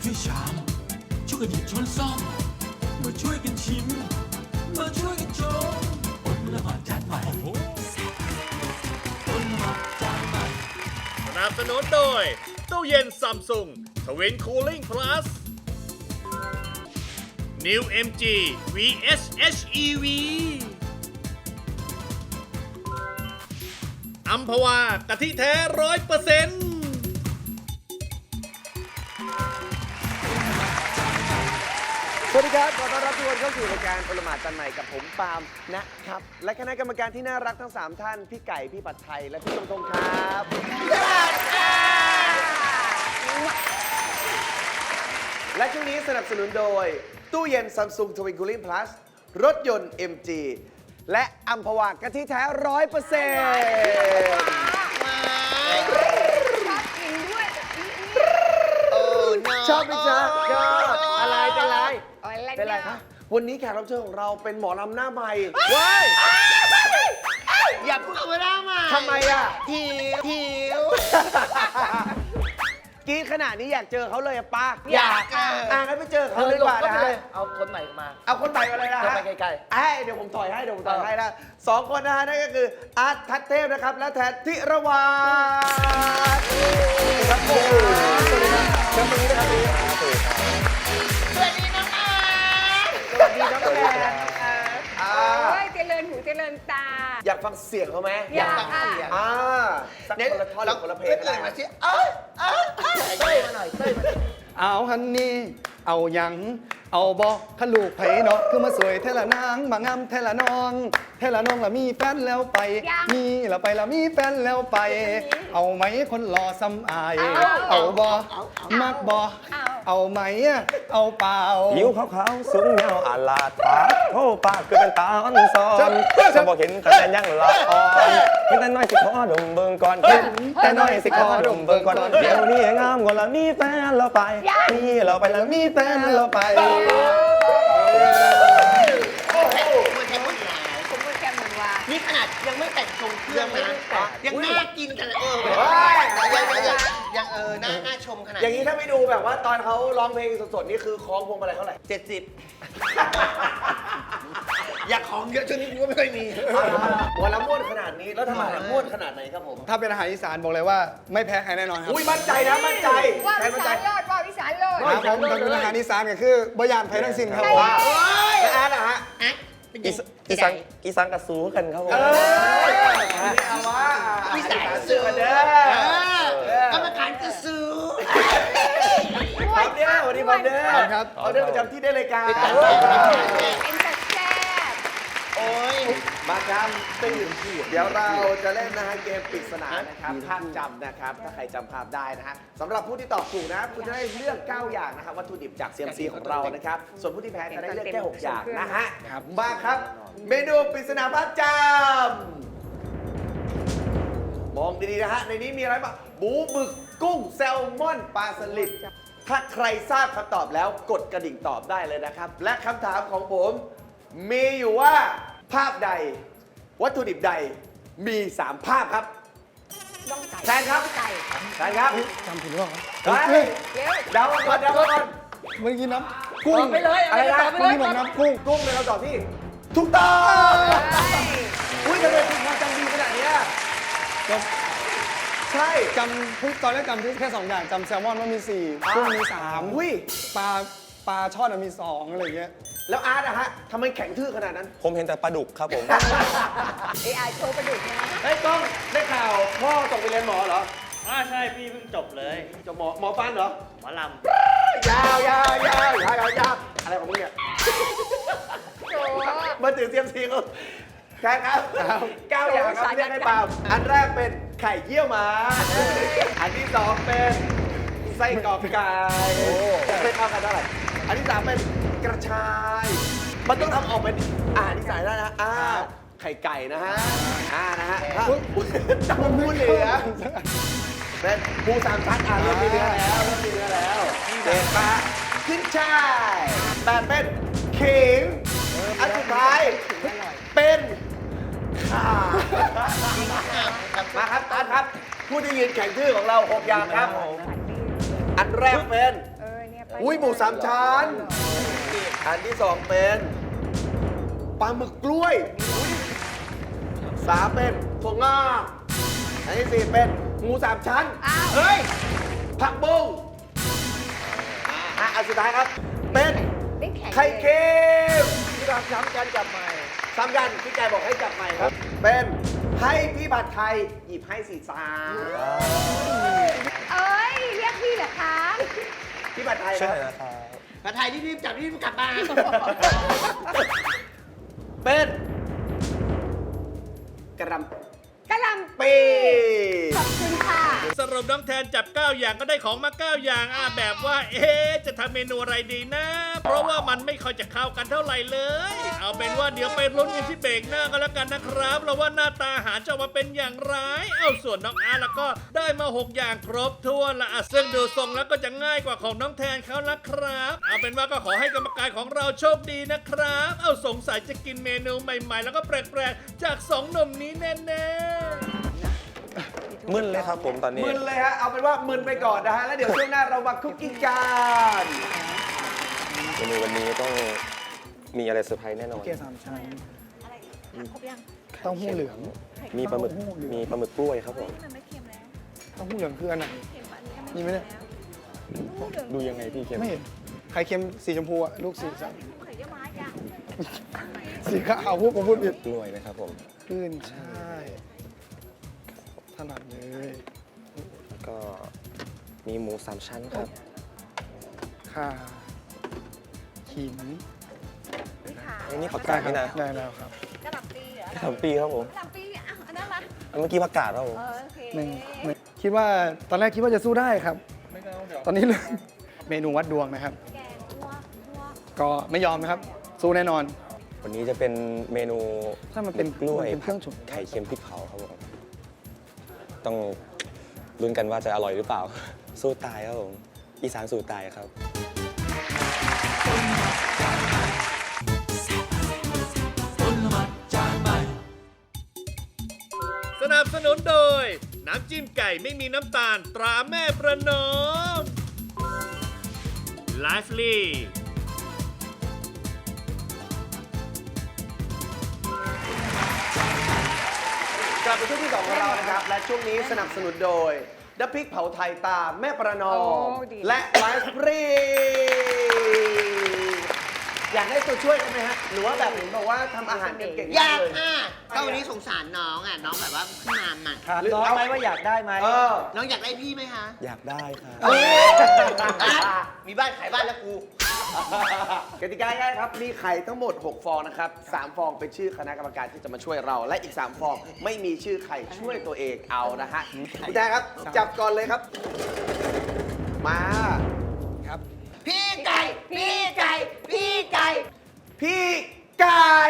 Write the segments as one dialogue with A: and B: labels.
A: ช่วยชามช่วยกันหยิบช้อนซ่อมมาช่วยกันชิมมาช่วยกันชมอดละหมาดจานใหม่อดละหมาดจานใหม่
B: สนับสนุนโดยตู้เย็นซัมซุงทวินคูลิ่งพลัส New MG VS HEV อัมพวากะทิแท้100%
C: สวัสดีครับขอต้อนรับทุกคนเข้าสู่รายการโอละหมาดจันใหม่กับผมปาล์มนะครับและคณะกรรมการที่น่ารักทั้ง3ท่านพี่ไก่พี่ปัดไทยและพี่ตรงครับและช่วงนี้สนับสนุนโดยตู้เย็น Samsung Twin Cooling Plus รถยนต์ MG และอัมพวากะทิแท้ 100% ชอบไหมจ๊ะก็อะไรเป็นไรเป็นไรคะวันนี้แขกรับเชิญของเราเป็นหมอลำหน้าใหม่ว้ายอย่าพูดคำว่าหน้าใหม่ทำไมอ่ะหิวกรี๊ดขนาดนี้อยากเจอเขาเลยอะป้าอยากงั้นไปเจอเขาเลยดีกว่านะฮะ
D: เอาคนใหม่มา
C: เอาคนใหม่มาเลยนะฮะ
D: ไปใกล้
C: ๆเดี๋ยวผมถอยให้นะสองคนนะฮะนั่นก็คืออาร์ตทัศเทพนะครับและแทนธิรวัฒน์ครับผมสวัสดีครับเชิญตรงนี้นะครับสวัสดีน้องอาร์ตสวัสดีน้องแทน
E: เจริญหูเจริญตา
C: อยากฟังเสียงเขาไหม
E: อยากค่ะ
C: สักคนละท่อนหรือคนละเพลงก็ได้มาสิ
D: เต้ยมาหน่อยเต้ยมา
F: เอาฮันนี่เอาหยังเอาบอกขลูกไผเนาะคือมาสวยเทละนางมางามเทละน้องเทละน้องละมีแฟนแล้วไป มีละไปละมีแฟนแล้วไป เอาไหมคนหล่อซ้ำอาย เอาบอมักบอเอาไหมเอาเปล่า
G: ผิวขาวๆสูงยาวอาลาดปากโอ้ปากคือเป็นตาอ่อนซ้อนจะบอกเห็นแต่ยังละอ่อนเห็นแต่น้อยสิขอดมเบิ่งก่อนเห็นแต่น้อยสิขอดมเบิ่งก่อนเดี๋ยวนี้งามกว่าละมีแฟนเราไปมีเราไปละมีแฟนเราไป
E: ผมก็แค่เหมือนว่า
D: นี่ขนาดยังไม่แต่งทรงเครื่องนะยังน่ากินกันยังน่าชมขนาด
C: อย่างนี้ถ้าไม่ดูแบบว่าตอนเขาร้องเพลงสดๆนี่คือคล้องพวงมาลัยเท่าไหร่
D: 70 อยากของเยอะช่วงนี้ก็ไม่ค่อยมี
C: วันละม้วนขนาดนี้แล้วทำไมม้วนขนาดไหนครับผม
F: ถ้าเป็นอาหารอีสานบอกเลยว่าไม่แพ้ใครแน่นอนครับ
C: อุ้ยมั่นใจนะมั่นใจ
E: ว่า
C: แทน
E: วิ
C: มั่นใจ
E: สานโลดว่าวิสานโลด
F: ครับผมถ้าเป็นอาหารอีสานก็คือบะยานไผ่ทั้งสิ้นครับผม
C: และอาร์ตนะฮะ
G: อีสังกระสูกันครับผม
C: เอาว่า
D: วิสาน
C: ซื้อกันเด้อก
D: รรมการกระซู
C: พร้อมเด้อวันนี้พร้อมเด้อ
F: ครับ
C: เอาเด้อประจำที่ได้รายการ
E: เป็นแต่แซ่บ
D: โอ้ย
C: มาครับตื่นเดี๋ยวเราจะเล่นนะฮะเกมปริศนานะครับภาพจำนะครับถ้าใครจำภาพได้นะฮะสำหรับผู้ที่ตอบถูกนะคุณจะได้เลือก9อย่างนะครับวัตถุดิบจาก CMC ของเรานะครับส่วนผู้ที่แพ้จะได้เลือกแค่6อย่างนะฮะมาครับ เมนูปริศนาภาพจำมองดีๆนะฮะในนี้มีอะไรบ้างหมูหมึกกุ้งแซลมอนปลาสลิดถ้าใครทราบคำตอบแล้วกดกระดิ่งตอบได้เลยนะครับและคำถามของผมมีอยู่ว่าภาพใดวัตถุดิบใดมี 3 ภาพครับ
E: น้องไก่
C: แทนครับ
E: ไก่
C: แทนครับ
F: จำผิดหรือเปล่า
C: เฮ้ย
E: เดี๋ยว
C: เดาก่อนเดาก่อน
F: เมื่อกี้น้ำกุ้ง
D: ไปเลย
C: อะไรนะ
F: เมื่อกี้บอกน้ำกุ้ง
C: กุ้งเป็นคำตอบที่ถูกต้องอุ้ยทำไมคุณความจำดีขนาดเนี้ยใช่
F: จำตอนแรกจำแค่2อย่างจำแซลมอนว่ามี4กุ้งมี3
C: อุ้ย
F: ปลาช่อนมี2อะไรอย่างเงี้ย
C: แล้วอาร์ตอะฮะทำไมแข็งทื่อขนาดนั้น
G: ผมเห็นแต่ปลาดุกครับผม
E: AI โชว์ประดุกนะ
C: เฮ้ยก้องได้ข่าวพ่อตกไปเรียนหมอเหรอ
B: ใช่พี่เพิ่งจบเลย
C: จะหมอฟันเหรอ
B: หมอล
C: ยาวอะไรของมึงเนี่ย
E: โชว์
C: มาถึงเซียมซีก็ใช่ครับ9 อย่างครับเรียกให้เปล่าอันแรกเป็นไข่เยี่ยวม้าอันที่ 2 เป็นไส้กรอกไก่เป็นเท่ากันเท่าไหร่อันที่ 3 เป็นกระชาย มันต้องทำออกเป็นอาหารที่ใส่ได้นะไข่ไก่นะฮะนะฮะจับมูเหลือเป็นปู3 ชั้นเริ่มมีเนื้อแล้วเจ็ดปะขึ้นช่ายแต่เป็นขิงอันสุดท้ายเป็นข่ามาครับตานครับ ผู้ที่ยืนแข่งชื่อของเรา6 อย่างครับ อันแรกเป็น
E: เนี่ยป
C: อุ้ยหมูสามชั้น อันที่สองเป็นปลาหมึกกล้วยสามเป็นถั่วงอกอันที่สี่เป็นหมูสามชั้น
E: อ้าว
C: เฮ้ย ผักบุ้งอันสุดท้ายครับ เป็น
E: ไม่แข็ง
C: ไข่
E: เลย
C: เค็มที่เราซ้ำกันจับใหม่ซ้ำกันพี่ไก่บอกให้จับใหม่ครับ เป็นให้พี่ผัดไทยหยิบให้สีฟ้า
E: เอ้ย เรียกพี่เหรอคะ
C: พี่ผัดไทยค
G: ช่วย
C: รับ
G: หน่อยนะครับ
D: ผัดไทยรีบๆจับรีบกลับมา
C: เป็นกระหล
E: กะหล่
C: ำปี
E: ำขอบคุณค่ะ
B: สรุปน้องแทนจับ 9 อย่างก็ได้ของมา 9 อย่างแบบว่า จะทำเมนูอะไรดีนะ เพราะว่ามันไม่ค่อยจะเข้ากันเท่าไหร่เลย เอาเป็นว่าเดี๋ยวไปลุ้นกันที่เบรกหน้าก็แล้วกันนะครับแล้วว่าหน้าตาอาหารจะออกมาเป็นอย่างไร เอาส่วนน้องอาร์ตแล้วก็ได้มา 6 อย่างครบถ้วนละซึ่งดูทรงแล้วก็จะง่ายกว่าของน้องแทนเขาละครับ เอาเป็นว่าก็ขอให้กรรมการของเราโชคดีนะครับ เอาสงสัยจะกินเมนูใหม่ๆ แล้วก็แปลกๆจาก2หนุ่มนี้แน่ๆ
G: มึนเลยครับผมตอนนี้
C: มึนเลยฮะ เอาเป็นว่ามึนไปก่อนนะฮะ แล้วเดี๋ยวช่วงหน้าเรามาคุกกิ้งกัน
G: เมนูวันนี้ต้องมีอะไรเซอร์ไพรส์แน่นอน
F: เกี๊ยวสามชั้น
E: อะไรถามครบยัง
F: เต้าหู้เหลือง
G: มีปลาหมึก มีปลาหมึกกล้วยครับผม
E: มันไม่เค็มแล้ว
F: เต้าหู้เหลืองคืออันไหน
E: เค็มอันนี้
F: มีไหมเนี่ย
G: ดูยังไงพี่เค็ม
F: ไม่เห็นไข่เค็มสีชมพูอะลูกสีสัน
E: ไข่เยี่ยวม้าจ้ะ
F: สีขาวผมพูดผิด
G: กล้วยนะครับผม
F: ขึ้นใช่ถนัดเลย
G: ก็มีหมูสามชั้นครับ
F: ข่าขิง
E: นี่ค่ะ
G: อันนี้ผักกาดนี่นะ
F: ได้แล้วครับ
E: กะหล่ำปีเหรอก
G: ะหล่ำปีครับผม
E: กะหล่ำปีอ่ะอันนั้นละ
G: เมื่อกี้ผักกาดครับผม
E: โอเค
F: หนึ่งคิดว่าตอนแรกคิดว่าจะสู้ได้ครับ ตอนนี้เมนูวัดดวงนะครับ
E: แกงวัว
F: ก็ไม่ยอมนะครับ สู้แน่นอน
G: วันนี้จะเป็นเมนู
F: ถ้ามันเป็น
G: กล้วย
F: เป็นเครื่องฉุน
G: ไข่เค็มพริกเผาครับผมต้องลุ้นกันว่าจะอร่อยหรือเปล่า สู้ตายครับผมอีสานสู้ตายครับ
B: สนับสนุนโดย น้ำจิ้มไก่ไม่มีน้ำตาลตราแม่ประนอม Lively
C: กลับไปช่วงที่ 2 ของเรานะครับ และช่วงนี้สนับสนุนโดยน้ำพริกเผาไทยตาแม่ประนอม และไลฟ์ฟรี อยากได้ตัวช่วยกันไหมฮะ หรือว่าแบบเห็นบอกว่าทำอาหารเก่งๆ
D: อยาก
C: เลย
D: ค่ะก็วันนี้สงสารน้องอ่ะ น้องแบบว่าขึ้นมาใหม่
C: หรือเอาไหมว่าอยากได้ไหม
D: น้องอยากได้พี่ไหมคะ
G: อยากได้ครับ
D: มีบ้านขายบ้านแล้วกู
C: กติกาง่ายครับ มีไข่ทั้งหมด 6 ฟองนะครับ 3 ฟองเป็นชื่อคณะกรรมการที่จะมาช่วยเรา และอีก 3 ฟองไม่มีชื่อไข่ช่วยตัวเองเอานะฮะพี่แจ๊คครับ จับก่อนเลยครับ มา
F: ครับ
D: พี่ไก่ พี่ไก่ พี่ไก่
C: พี่ไก่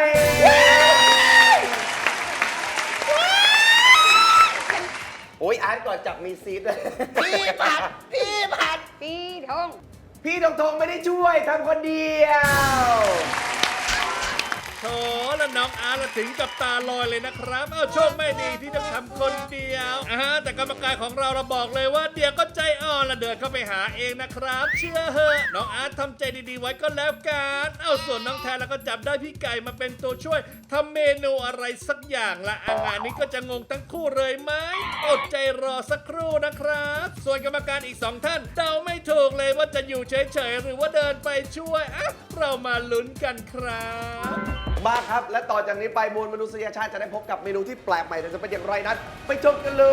C: โอ้ยอาร์ตก่อนจับมีซีดเลย
D: พี่ผัด พี่ผัด
E: ปีทง
C: พี่ทงทงไม่ได้ช่วยทำคนเดียว
B: โถแล้วน้องอาร์ตละถึงกับตาลอยเลยนะครับ เอาโชคไม่ดีที่ต้องทำคนเดียวแต่กรรมการของเราบอกเลยว่าเดี๋ยวก็ใจอ่อนละเดินเข้าไปหาเองนะครับ เชื่อเหอะน้องอาร์ตทำใจดีๆไว้ก็แล้วกันเอาส่วนน้องแทนแล้วก็จับได้พี่ไก่มาเป็นตัวช่วยทำเมนูอะไรสักอย่างละงานนี้ก็จะงงทั้งคู่เลยไหมอดใจรอสักครู่นะครับ ส่วนกรรมการอีก 2 ท่านเดาไม่ถูกเลยว่าจะอยู่เฉยๆหรือว่าเดินไปช่วยเรามาลุ้นกันครับ
C: มาครับ และต่อจากนี้ไปมวลมนุษยชาติจะได้พบกับเมนูที่แปลกใหม่แต่จะเป็นอย่างไรนั้น ไปชมกันเลย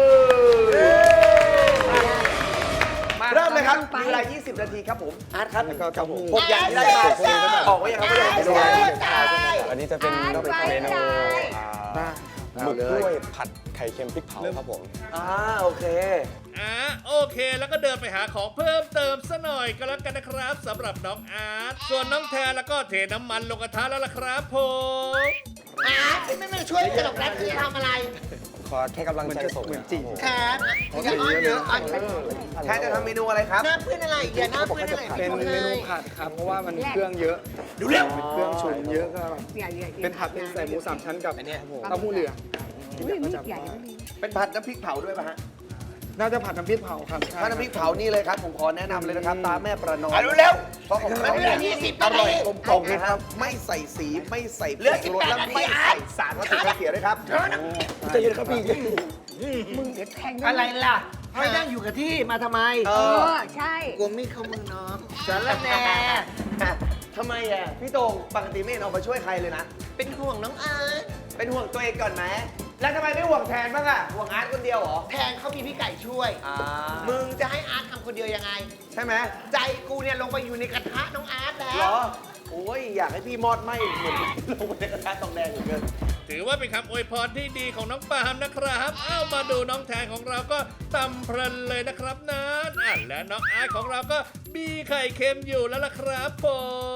C: เริ่มเลยครับ มีเวลา 20 นาทีครับผม อาร์ตครับ
F: แล้วก็เต้าหู้
C: หกอย่างที่ได้มาออกไว้ยังครับไม่ได้ออกไปด้วย
G: อันนี้จะเป็นเมนูหมึกกล้วยผัดไข่เค็มพริกเผาครับผม
C: โอเค
B: โอเคแล้วก็เดินไปหาของเพิ่มเติมซะหน่อยก็แล้วกันนะครับสำหรับน้องอาร์ตส่วนน้องแทนแล้วก็เทน้ำมันลงกระทะแล้วล่ะครับผม
D: ไม่มาช่วยตลกนัดที่ทำอะไร
G: ขอแค่กำลังใจส่ง
F: เหมือน
G: นะ
F: จี
D: ครับอย่าอ้อนเยอะอ้อน
C: แทนจะทำเมนูอะไรครับ
D: หน้าเพื่อนอะไรอย่าหน้าเพื่อนอะไร
F: เป็นเมนูผัดครับ เพราะว่ามันเครื่องเยอะดูเร็วเครื่องฉุนเยอะก็แบบ
E: อย่า
F: เป็นผัดเป็นใส่หมูสามชั้นกับเต้าหู้เหลือง
E: อุ้ยมีดใหญ่ไม่มี
C: เป็นผัดน้ำพริกเผาด้วยป่ะฮะ
F: น่าจะผัดน้ำพริกเผาครับใช่
C: ถ้าน้ำพริกเผานี่เลยครับ ผมขอแนะนำเลยนะครับ ตาแม่ประนอม
D: เร็ว
C: เพราะของเขา
D: มันเหลื
C: เนี่
D: อย 20
C: อร่อย
D: นาที
C: กลมกล่อมนะครับไม่ใส่สีไม่ใส่ผงชูรสและไม่ใส่สารวัตถุกันเสียด้วยครับใจเย็นครับพี่
E: มึงเดี๋ยวแทง
D: อะไรล่ะให้นั่งอยู่กับที่มาทำไม
C: เอ
E: เอ
C: อ
E: อ ใช่
D: กลัวมีดเข้ามือน้องสารแหน่
C: ทำไมอ่ะพี่โตงปกติไม่เห็นออกมาช่วยใครเลยนะ
D: เป็นห่วงน้องอาร์ต
C: เป็นห่วงตัวเองก่อนไหมแล้วทำไมไม่ห่วงแทนบ้างอ่ะห่วงอาร์ตคนเดียวเหรอ
D: แทนเขามีพี่ไก่ช่วย
C: อ่า
D: มึงจะให้อาร์ตทำคนเดียวยังไง
C: ใช่ไหม
D: ใจกูเนี่ยลงไปอยู่ในกระทะน้องอาร์ตแล้
C: เหร
D: ว
C: อโอ้ยอยากให้พี่มอดไหมเหมือนลงไปในกระทะทองแดงเหมือนกัน
B: ถือว่าเป็นคำอวยพรที่ดีของน้องปาล์มนะครับ เอามาดูน้องแทนของเราก็ตำเพลินเลยนะครับนั้นและน้องอาร์ตของเราก็มีไข่เค็มอยู่แล้วล่ะครับผม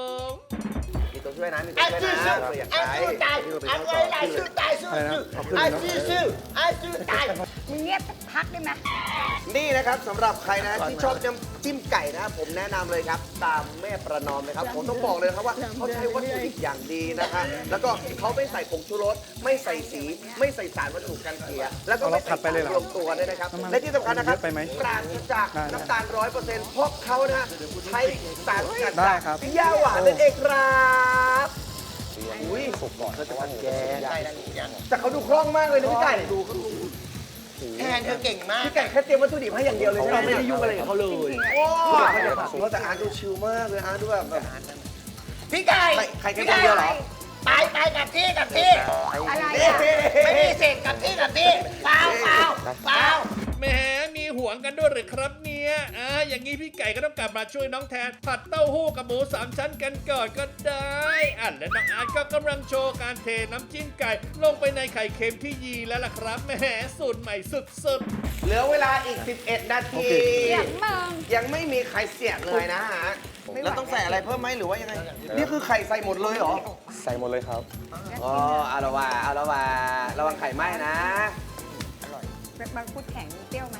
C: มีตัวช่วยนะมีตัว
D: อา
C: ช่วย
D: สู้
C: นะ
D: สู้
C: เราอยาก
D: อา
C: ใช้
D: สู้ตายอาสู้ตายสู้ตายสู้สู้อาสู้สู้อาสู้ตาย
E: มึงเงียบสักพักได้ไหม
C: นี่นะครับสำหรับใครนะที่ชอบน้ำจิ้มไก่นะผมแนะนำเลยครับ ตามแม่ประนอมนะครับ ผมต้องบอกเลยครับว่าเขาใช้วัตถุดิบอย่างดีนะคะแล้วก็เขาไม่ใส่ผงชูรสไม่ใส่สีไม่ใส่สารวัตถุกันเสียแล้วก็ไม่ใส่สารรวมตัวด้วยนะครับและที่สำคัญนะครับปราศจากน้ำตาล100%เพราะเขานะใช้สารสกัดจากย่าหวานนั่นเองครับอุ้ยสุกก่อนเขาจะผัดแกงแต่เขาดูคล่องมากเลยนะพี่ไก่ดูเขาดู
D: แทนเธอเก่งมาก
C: พี่ไก่แค่เตรียมวัตถุดิบให้อย่างเดียวเลยใช่ไหมไม่ได้ยุ่งอะไรกับเขาเลย โอ้เขาจะผัดแต่อาร์ตดูชิลมากเลยอาร์ตดูแบบ
D: พี่ไก่
C: ใครแค่คนเดียวเหรอ
D: ไปกับที่กับที่
E: อะไร
C: นี่
E: อ่ะ
D: ไม่มีเศษกับที่กับที่เปล่าเปล่าเปล่า
B: แหมมีห่วงกันด้วยหรือครับเนี่ยอย่างนี้พี่ไก่ก็ต้องกลับมาช่วยน้องแทนผัดเต้าหู้กับหมูสามชั้นกันก่อนก็ได้และน้องอาร์ตก็กำลังโชว์การเทน้ำจิ้มไก่ลงไปในไข่เค็มที่ยีแล้วล่ะครับแหมสูตรใหม่สุดๆ
C: เหลือเวลาอีก 11 นาที
E: เสียงมึง
C: ยังไม่มีใครเสียเลยนะฮะ แล้วต้องใส่อะไรเพิ่มไหมหรือว่ายังไง นี่คือไข่ใส่หมดเลยเหรอ
G: ใส่หมดเลยครับ
C: อ๋อเอาละว่าเอาละว่าระวังไข่ไหม้นะ
E: บางพูดแข็งเปรี้ยวไหม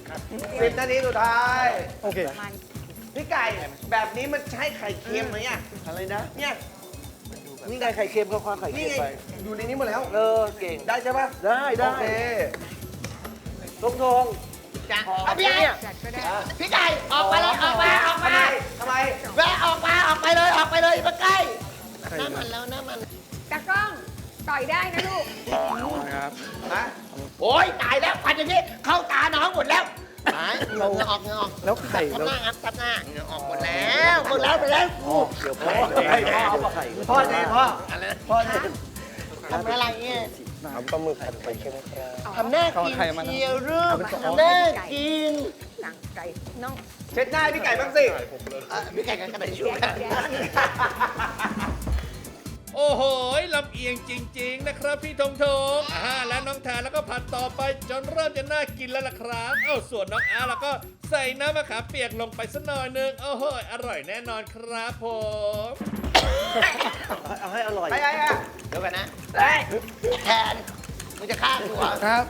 C: 10 นาทีสุดท้าย
F: โอเค
E: มัน
C: พี่ไก่แบบนี้มันใช่ไข่เค็มไหมอ่ะ อะไรนะ เนี่ย
D: นี่ไงไข่เค็มกับความไข่
C: นี่
D: เค็ม
C: ไง
D: ไป
C: อยู่ในนี้หมดแล้ว
D: เก่ง
C: ได้ใช่ปะ
D: ได้
C: โอเคทงทง
D: จ้ะเอาพี่ไก่
E: จัดก็ได้
D: พี่ไก่ออกมาเลยออกมา
C: ทำไม
D: แวะออกไปเลยมาใกล้หน้ามันแล้วหน้ามัน
E: ตากล้อง ต่อยได้นะลูก
F: ครับ
C: ฮะ
D: โอ๊ยตายแล้วพันอย่างนี้เข้าตาน้องหมดแล้วเหงื่อออก
F: แล้วไข่
D: ทับ
F: แล้ว
D: หน้าครับทับหน้าเหงื่อออกหมดแล้วไปแล้วเดี๋ยวพ่อ
C: ให้พ่อเอาไข่พ่อเนี่ยพ่อ
D: อะไร
C: พ่อเนี่ย
D: ทำอะไรเนี่ย
G: ทำปลาหมึกผัดไข่เค็มครับ
D: ทำหน้ากินเชียวรูปทำหน้ากิน
E: หลังไก่น้อง
C: เช็ดหน้าให้พี่ไก่บ้างสิ
D: พี่ไก่กันกระดาษช่วยกัน
B: โอ้โหลำเอียงจริง ๆ นะครับพี่ธงธงและน้องแทนแล้วก็ผัดต่อไปจนเริ่มจะน่ากินแล้วล่ะครับส่วนน้องอาร์แล้วก็ใส่น้ำมะขามเปียกลงไปสักหน่อยนึงโอ้โหอร่อยแน่นอนครับผม
D: เอาให้อร่อย
C: ไอ้
D: เดี๋ยวกันนะแทนมึงจะฆ่ากูเหรอ
F: ครับ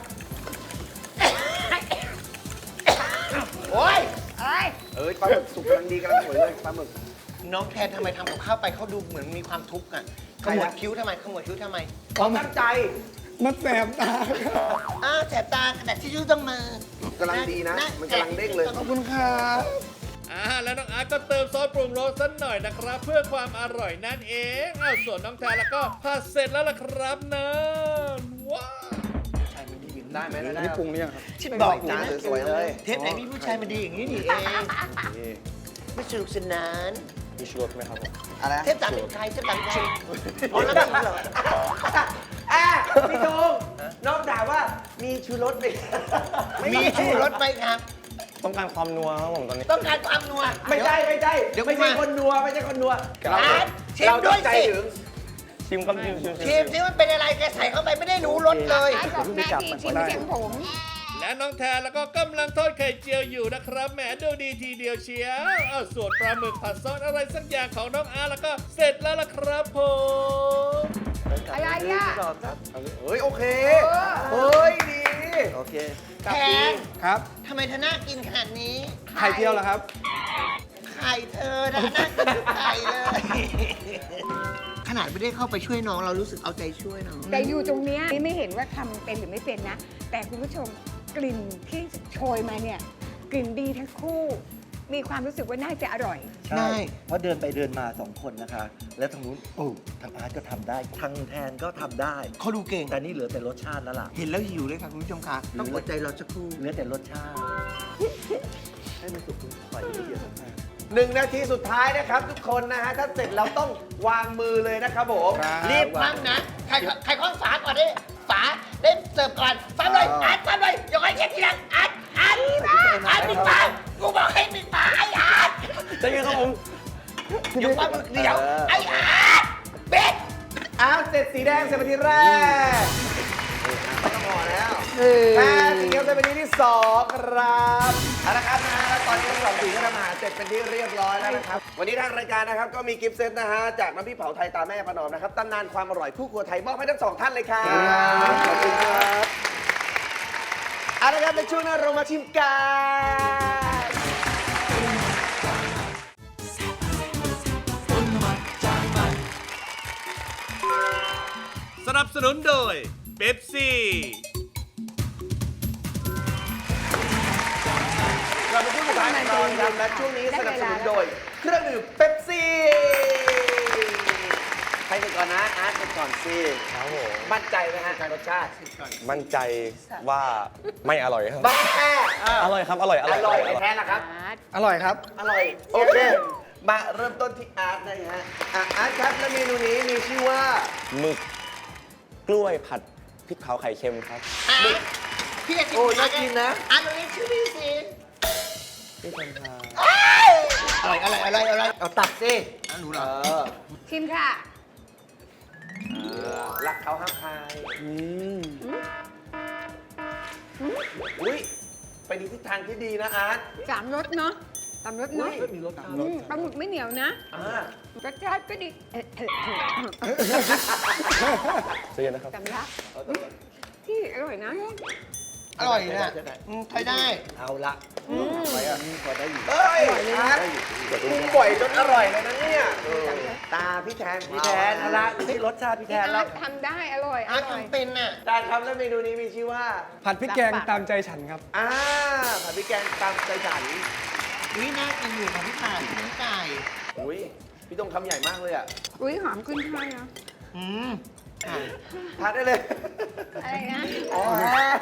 D: โอ๊ย
E: เอ้ย
C: ปลาหมึกสุกกำลังดีกำลังสวยเลยปลาหมึก
D: น้องแทนทำไมทำกับข้าวไปเขาดูเหมือนมีความทุกข์อ่ะขมวดคิ้วทำไมขมวดคิ้วทำไม
C: เขาตั้งใจ
F: มันแสบตาครับ
D: แสบตากระดาษทิชชู่ต้องมาก
C: ำลังดีนะ มันกำลังเด้งเลย
F: ขอบคุณครับ
B: แล้วน้องอาร์ตก็เติมซอสปรุงรสสักหน่อยนะครับ เพื่อความอร่อยนั่นเองส่วนน้องแทนแล้วก็ผัดเสร็จแล้วล่ะครับนะว้าว
C: ได้ไหม
F: อัน
C: ได้
F: นี้ปรุงหรือยังครับ
D: ที่บอก
C: จา
D: นะ
C: นสวยๆเลย
D: เทปไหนมีผู้ชายมาดีอย่างนี้นี่เองไม่สนุกสนาน
G: มีชูรสไหมครับผม
C: อะไร
D: เทปสามเป็นใครเทปสามเป็นใครอ๋อแล้วมีเหรอ
C: พี่ธงน้องถามว่ามีชูรสไหม
D: มีชูรสไหมครับ
G: ต้องการความนัวครับผมตอนนี้
D: ต้องการความนัว
C: ไม่ใช่
D: เดี๋ยว
C: ไม่ใช่
D: มา
C: คนนัวไม่ใช่คนนัว
D: ร้านชิม
C: เรา
D: ด้
C: ต้
D: ว
C: อย งใจ
D: สิ
C: ถึง
G: ชิมครับชิม
D: ชิมที่มันเป็นอะไรแกใส่เข้าไปไม่ได้รู้รสเลย
E: ไอ้บอกหน้าที่ชิมเสียงผม
B: และน้องแทนแล้วก็กำลังทอดไข่เจียวอยู่นะครับแหมดูดีทีเดียวเชียวส่วนปลาหมึกผัดซอสอะไรสักอย่างของน้องอาร์แล้วก็เสร็จแล้วล่ะครับผม
E: อะไรอ่ะ
C: เฮ้ย โอเค
E: เออ
C: เฮ้ย ดี โอเค
D: แทน
F: ครับ
D: ทำไมเธอน่ากินขนาดนี้
F: ไข่เจียวเหรอครับ
D: ไข่เธอนะน่ากินทุกไข่เลย ขนาดไม่ได้เข้าไปช่วยน้องเรารู้สึกเอาใจช่วยน้อง
E: แต่อยู่ตรงเนี้ยไม่เห็นว่าทำเป็นหรือไม่เป็นนะ แต่คุณผู้ชมกลิ่นที่โชยมาเนี่ย กลิ่นดีทั้งคู่ มีความรู้สึกว่าน่าจะอร่อย
D: ใช่
H: เพราะเดินไปเดินมาสองคนนะคะ แล้วทางนู้นทางอาร์ตก็ทำได้ ทางแทนก็ทำได้
D: เขาดูเก่ง
H: แต่นี่เหลือแต่รสชาติแล้วล่ะ
D: เห็นแล้วหิวเลยค่ะคุณผู้ชมคะต้องอดใจรอสักครู่
H: เหลือแต่รสชาติ ให้มันสุกปล่อยให้เยอะมาก
C: 1 นาทีสุดท้ายนะครับทุกคนนะฮะ ถ้าเสร็จเราต้องวางมือเลยนะครับผม
D: รีบมั่งนะ ใครคล้องฝาก่อนดิฝาเล่นเสิร์ฟก่อนฟังเลยอาร์ตฟังเลยอย่าให้เช็คทีหลังอาร์ตปิดฝากูบอกให้ปิดฝาไอ้อาร์ต
G: จะยังครับผม
D: อยู่ฟังมือเดียวไอ้อาร์ตปิด
C: อ้าวเสร็จสีแดงเสร็จเป็นที่แรกไม่ต้องห่อแล้วแพ้สีเขียวเสร็จเป็นที่ที่2ครับเอาละครับนะฮะตอนนี้ทั้งสองสีก็ทำอาหารเสร็จเป็นที่เรียบร้อยแล้วนะครับ วันนี้ทางรายการนะครับก็มีกิฟต์เซตนะฮะจากน้ำพริกเผาไทยตาแม่ประนอมนะครับตำนานความอร่อยคู่ครัวไทยมอบให้ทั้งสองท่านเลยครับขอบคุณครับเอาละครับในช่วงหน้าเรามาชิมกัน
B: สนับสนุนโดยเป๊ปซี่
C: เราเป็นช่วงสุดท้ายของตอนครับและช่วงนี้สนับสนุนโดยเครื่องดื่มเป๊ปซี่ใครเป็นก่อนนะอาร์ตเป็นก่อนสิ
G: ครับผม
C: มั่นใจไหมฮะรสชาติ
G: มั่นใจว่าไม่อร่อยครับ
C: บ้าแค่
G: อร่อยครับ อร่อย
C: อร่อยไม่แพ้ละครับ
F: อร่อยครับ
C: อร่อย โอเค มาเริ่มต้นที่อาร์ตนะฮะอาร์ตครับและเมนูนี้มีชื่อว่า
G: หมึกกล้วยผัดพริกเผาไข่เค็มครับ
D: พี่จะกิน
C: โอ้น่ากินนะ
D: อาร์ตตรงนี้ชื่อพี่สิ
G: พี่คนทา
D: อร่อยเอาตักสิหนูเหรอ
E: ชิมค่ะ
C: รักเขาห้ามใครอุ้ยไปในทิศทางที่ดีนะอาร์ต
E: สามรสเนาะสามรสเนาะ
C: อุ้ยมีรส
E: ปลาหมึกไม่เหนียวนะ รสชาติก็ดี
G: เสียนะครับ
E: สำลักที่อร่อยนะ
D: อร่อยนะใช้ได้
H: เอาละ
C: ไปอ่ะพอได้อยู่เอ้ยอาร์ตปรุงบ่อยจนอร่อยเลยนะเนี่ยตาพี่แทน
H: พี่แทนเอาละนี่รสชาติพี่แทนแล้ว
E: ทำได้อร่อย
D: อาร์ตทำเป็นน่ะ
C: จานครับและเมนูนี้มีชื่อว่า
F: ผัดพริกแกงตามใจฉันครับ
C: ผัดพริกแกงตามใจฉัน
D: วิน่ากินอยู่ค่ะพี่ผ่านน้ำไก่
C: อุ้ยพี่ต้องคำใหญ่มากเลยอ่ะ
E: อุ้ยหอมขึ้นช่ายนะ
D: ค่ะ
C: ทานได้เลย
E: อะไรนะ
C: อ๋อ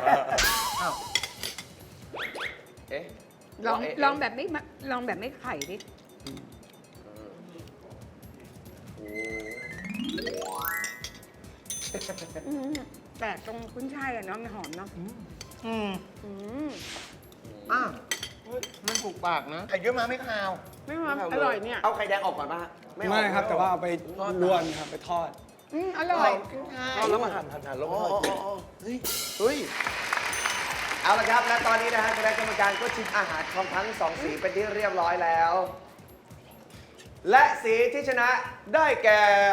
C: เอ๊ะ
E: ลองแบบไม่ไข่ดิ แปลกตรงขึ้นช่ายอะเนาะมันหอมเนาะ
D: อืม
E: อืม
D: อ้าวมันถูกปากนะไข่เยอะมาไม่คาว
E: ไม่หอมอร่อยเนี่ย
C: เอาไข่แดงออกก่อนป่ะ
F: ไม่ครับ แต่ว่าเอาไปลวนครับ ไปทอด
E: อร่อย
C: เอาแล้วมาหั่นแล้วมาทอดเฮ้ยเอาละครับและตอนนี้นะฮะคณะกรรมการก็ชิมอาหารของทั้งสองสีเป็นที่เรียบร้อยแล้ว และสีที่ชนะได้แก่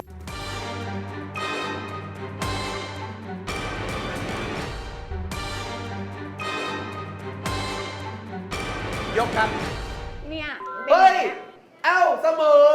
C: ยกครับ
E: เนี่ย
C: เฮ้ย เอ้าเสมอ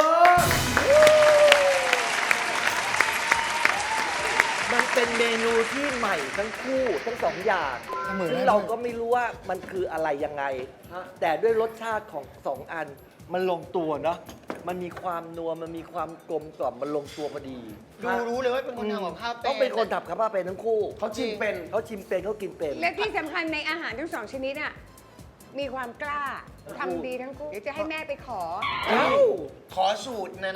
H: มันเป็นเมนูที่ใหม่ทั้งคู่ทั้งสองอย่าง
F: เสมอ
H: ซึ่งเราก็ไม่รู้ว่ามันคืออะไรยังไง แต่ด้วยรสชาติของสองอันมันลงตัวเนาะมันมีความนัวมันมีความกลมกล่อมมันลงตัวพอดี
D: รู้เลยว่าเป็นคนทำกับข้าวเป็น
H: ต้องเป็นคนทำกับข้าวเป็นทั้งคู่
C: เขาชิมเป็น
H: เขาชิมเป็นเขากินเป็น
E: และที่สำคัญในอาหารทั้งสองชนิดอ่ะ มีความกล้าทำดีทั้งคู่เดี๋ยวจะให้แม่ไปขอ
D: ขอสูตรนะ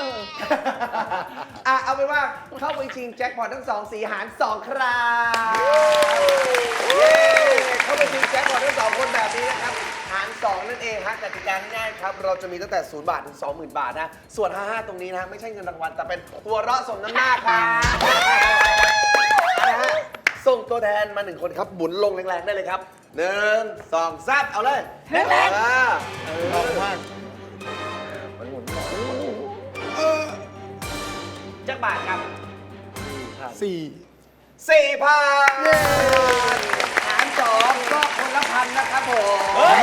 C: เอาเป็นว่าเข้าไปชิงแจ็คพอตทั้งสองสีหาร2ครับเย้เข้าไปชิงแจ็คพอตทั้งสองคนแบบนี้นะครับหาร2นั่นเองฮะกติกาง่ายๆครับ เราจะมีตั้งแต่0 บาทถึง 20,000 บาทนะ ส่วน 55 ตรงนี้นะไม่ใช่เงินรางวัลแต่เป็นตัวเราะสมน้ำหน้าครับนะฮะส่งตัวแทนมา1คนครับหมุนลงแรงๆได้เลยครับ1 2 3เอาเลยแรงๆลองมากมันหมุนจักบาทครับ
F: 4
C: 4,000หาร2ก็คนละพันนะครับผม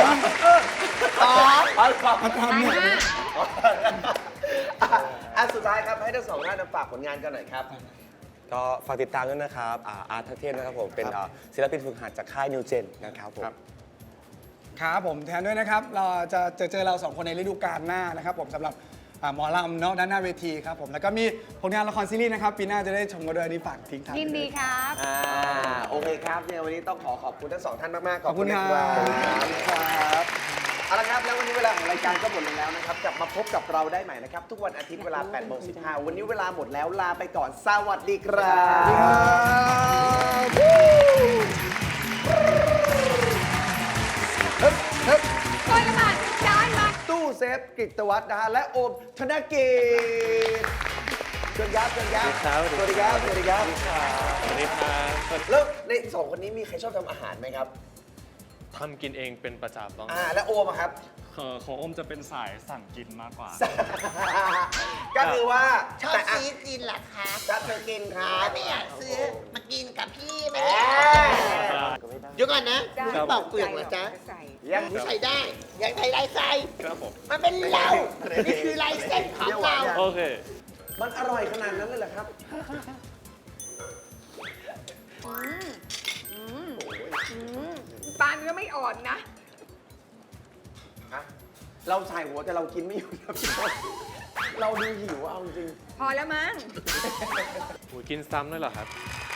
C: เอาสอง
F: ทำเนี่ย
C: สุดท้ายครับให้ทั้งสองท่านฝากผลงานกันหน่อยครับ
G: ก็ฝากติดตามด้วยนะครับอาร์ตทักเทพนะครับผมเป็นศิลปินฝึกหัดจากค่ายนิวเจนนะครับผม
F: ครับผมแทนด้วยนะครับเราจะเจอเรา2คนในฤดูกาลหน้านะครับผมสำหรับหมอลำเนาะด้านหน้าเวทีครับผมแล้วก็มีผลงานละครซีรีส์นะครับปีหน้าจะได้ชมกันด้วยอันนี้ฝากทิ้งท้าย
E: ยินดีครับ
C: โอเคครับเนี่ยวันนี้ต้องขอบคุณทั้งสองท่านมากๆ
F: ขอบคุณครับ
C: ครับเอาละครับแล้ววันนี้เวลาของรายการก็หมดลงแล้วนะครับกลับมาพบกับเราได้ใหม่นะครับทุกวันอาทิตย์เวลา 8:15 วันนี้เวลาหมดแล้วลาไปก่อนสวัสดีครับ
E: คนละบาทจานมา
C: ตู้เซฟกฤตวัฒน์นะฮะและโอมธนกิจเชิญครับเชิญครับสวัสดีครับสวัสดีครับสวัสดีครับแล้วในสองคนนี้มีใครชอบทำอาหารไหมครับ
I: ทำกินเองเป็นประจำบ้าง
C: และโอมอะครับ
I: ของอมจะเป็นสายสั่งกินมากกว่า
C: ก็คือว่า
D: ชอบ
C: แต่ะ
D: ซื้อกินเหรอคะ
C: ถ้าเธอกินครับ
D: ไม่อยากซื้อมากินกับพี่ไหม
C: แหม
D: เดี๋ยวก่อนนะ
E: ได้
D: ไม่ปอกเปลือกเหรอจ๊ะ
E: ใส่
C: ยัง
D: ใส่ได้อยากใส่ลายใส่
I: ครับผม
D: มันเป็นเรานี่คือลายเส้นของเรา
I: โอเค
C: มันอร่อยขนาดนั้นเลยเหรอครับ
E: ปานก็ไม่อ่อนนะ
C: เราใส่หัวแต่เรากินไม่อยู่นะพี่ต้นเราดูหิวเอาจริง
E: พอแล้วมั้ง
I: กินซ้ำเลยเหรอครับ
C: ๆ